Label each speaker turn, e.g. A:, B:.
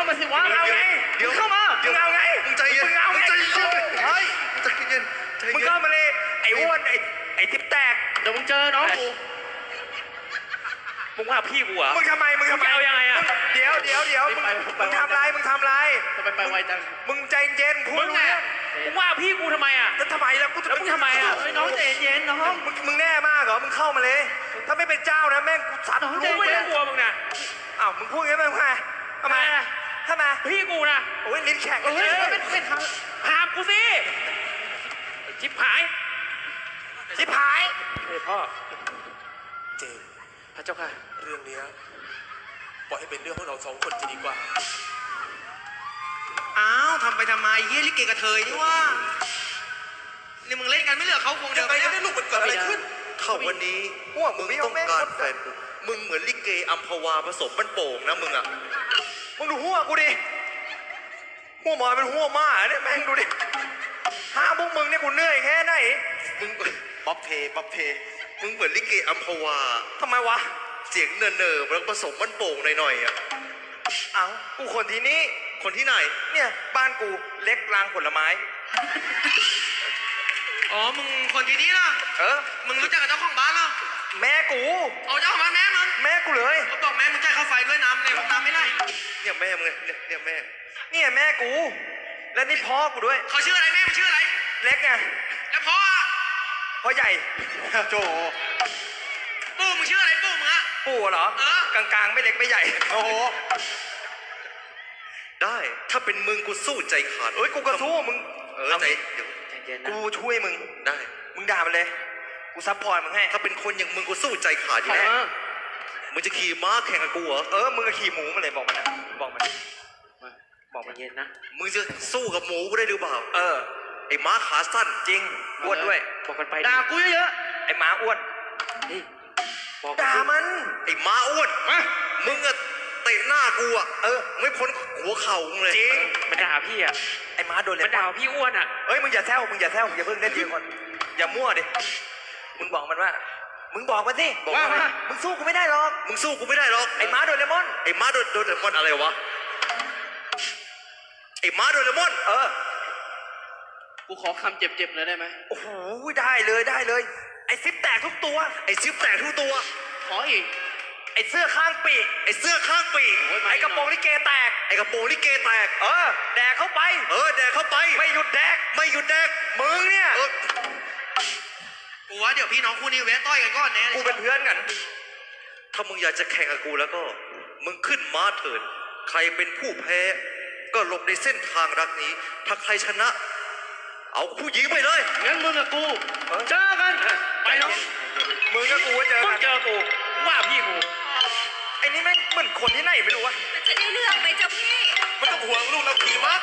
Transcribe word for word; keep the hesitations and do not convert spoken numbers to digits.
A: มาสิวะเอาไงเดี๋ยวเข้ามามึงเอาไงมึงใจเย็นมึงเอาไงเฮ้ยใจเย็นมึงเข้ามาเลยไอ้อ้วนไอ้ไอ้ทิพแตกเดี๋ยวมึงเจอน้องกูมึงว่าพี่กูอ่ะมึงทำไมมึงทำไมเอายังไงอ่ะเดี๋ยวเดี๋ยวเดี๋ยวมึงมึงทำไรมึงทำไรทำไมไปไวจังมึงใจเย็นพูดไงมึงว่าพี่กูทำไมอ่ะแล้วทำไมแล้วกูแล้วมึงทำไมอ่ะน้องใจเย็นน้องมึงมึงแน่มากเหรอมึงเข้ามาเลยถ้าไม่เป็นเจ้านะแม่งกูสัตว์รู้ไม่ได้กลัวมึงนะอ้าวมึงพูดงั้นมึงไงทำไมทำไมพี่กูนะโอ้ยลิ้นแข็งเลยเป็นเป็นหามกูสิชิบหายชิบหายเฮ้ยพ่อ
B: เจม
A: พระเจ้าค่ะ
B: เรื่องนี้ปล่อยให้เป็นเรื่องของเราสองคนจะดีกว่า
C: อ้าวทำไปทำไมเฮียลิเกกระเทยนี่ว่านี่มึงเล่นกันไม่เหลือเขาคงเดินไป
B: ได้ลูกมันเกิดอะไรขึ้น
D: เข้าวันนี้ว่ามึงต้องการแฟนมึงเหมือนลิเกอัมพวาผสมมันโป่งนะมึงอ่ะ
A: มึงดูหัวกูดิหัวหมอเป็นหัวม้าเนี่ยแม่งดูดิห้าพวกมึงเนี่ยกูเหนื่อยแค่ไหน
D: มึงป๊อปเพป๊อปเพมึงเหมือนลิเกอัมพวา
A: ทำไมวะ
D: เสียงเนินเนอแล้วผสมมันโป่งหน่อยๆอ่ะ
A: เอ้ากูคนที่นี่
D: คนที่ไหน
A: เนี่ยบ้านกูเล็กรางผลไม้
C: อ๋อมึงคนที่นี่ล่ะ
A: เออ
C: มึงรู้จักกับเจ้าของบ้านเหรอ
A: แม่กู
C: เอาเจ้าของบ้านแม่มึง
A: แม่กูเลย
C: เขาบอกแม่มึงจ่ายค่าไฟด้วยน้ำเลยน้ำไม่ได้
D: เนี่ยแม่มึงเนี่ยเนี่ยแม่
A: เนี่ยแม่กูและนี่พ่อกูด้วย
C: เขาชื่ออะไรแม่มึงชื่ออะไร
A: เล็กไง
C: แล้วพ่อ
A: พ่อใหญ่โจ
C: ปู่มึงชื่ออะไรปู่มึงอะ
A: ปู่เหรอ
C: เออก
A: ลางๆไม่เล็กไม่ใหญ่โอ้โห
D: ได้ถ้าเป็นมึงกูสู้ใจขาด
A: เอ้ยกูก็สู้มึง
D: เออใจเดี๋ยว
A: กูช่วยมึง
D: ได้
A: มึงด่ามันเลยกูซัพพอร์ตมึงให้
D: ถ้าเป็นคนอย่างมึงกูสู้ใจขาดอยู่แล้วมึงจะขี่ม้าแข่งกับกูเหรอ
A: เออมึงก็ขี่หมูมาเลยบอกมันนะบอกมันบอกมันเย็นนะ
D: มึงจะสู้กับหมูกูได้หรือเปล่า
A: เออ
D: ไอ้ม้าขาสั้น
A: จริงอ้วนด้วย
C: บอกกันไป
A: ด่ากูเยอะๆไอ้ม้าอ้วนด่ามัน
D: ไอ้ม้าอ้วนมึงอะเตะหน้ากูอะเออไม่พ้นหัวเข่ามึงเลย
A: จริง
C: มันด่าพี่อะ
A: ไอ้ม้าโดนเลย
C: มันด่าพี่อ้วนอะ
A: เอ้ยมึงอย่าแซวมึงอย่าแซวมึงอย่าเพิ่งเล่นยืนก่อนอย่ามั่วดิมึงบอกมันว่ามึงบอกมันสิ
D: บอกว่า
A: มึงสู้กูไม่ได้หรอก
D: มึงสู้กูไม่ได้หรอก
A: ไอ้ม้าโดนเลมอน
D: ไอ้ม้าโดนโดนเลมอนอะไรวะไอ้ม้าโดนเลมอน
A: เออ
C: กูขอคำเจ็บๆเลยได้ไหม
A: โอ้โหได้เลยได้เลยไอ้ซิปแตกทุกตัว
D: ไอ้ซิปแตกทุกตัว
C: ขออีก
A: ไอ้เสื้อข้างปีก
D: ไอ้เสื้อข้างปีก
A: ไอ้กระโปรงลิเกแตก
D: ไอ้กระโปรงลิเกแตก
A: เออแดกเข้าไป
D: เออแดกเข้าไป
A: ไม่หยุดแดก
D: ไม่หยุดแดก
A: มึงเนี่ย
C: กูว่าเดี๋ยวพี่น้องคู่นี้แวะต้อยกันก่อนแน่
A: กูเป็นเพื่อนกัน
D: ถ้ามึงอยากจะแข่งกับกูแล้วก็มึงขึ้นม้าเถิดใครเป็นผู้แพ้ก็หลบในเส้นทางรักนี้ถ้าใครชนะเอาผู้หญิงไปเลย
C: งั้นมึงกับกูเจอกันไปน้อง
A: มึงกับกูเจอกัน
C: เจอกูว่าพี่กู
A: ไอ้นี่แม่งเหมือนคนที่ไหนไม่รู้วะ
E: มันจะได้เรื่องไหมเจ้าพี่
B: ไม่ต้องห่วงลูกเราขี่ม้า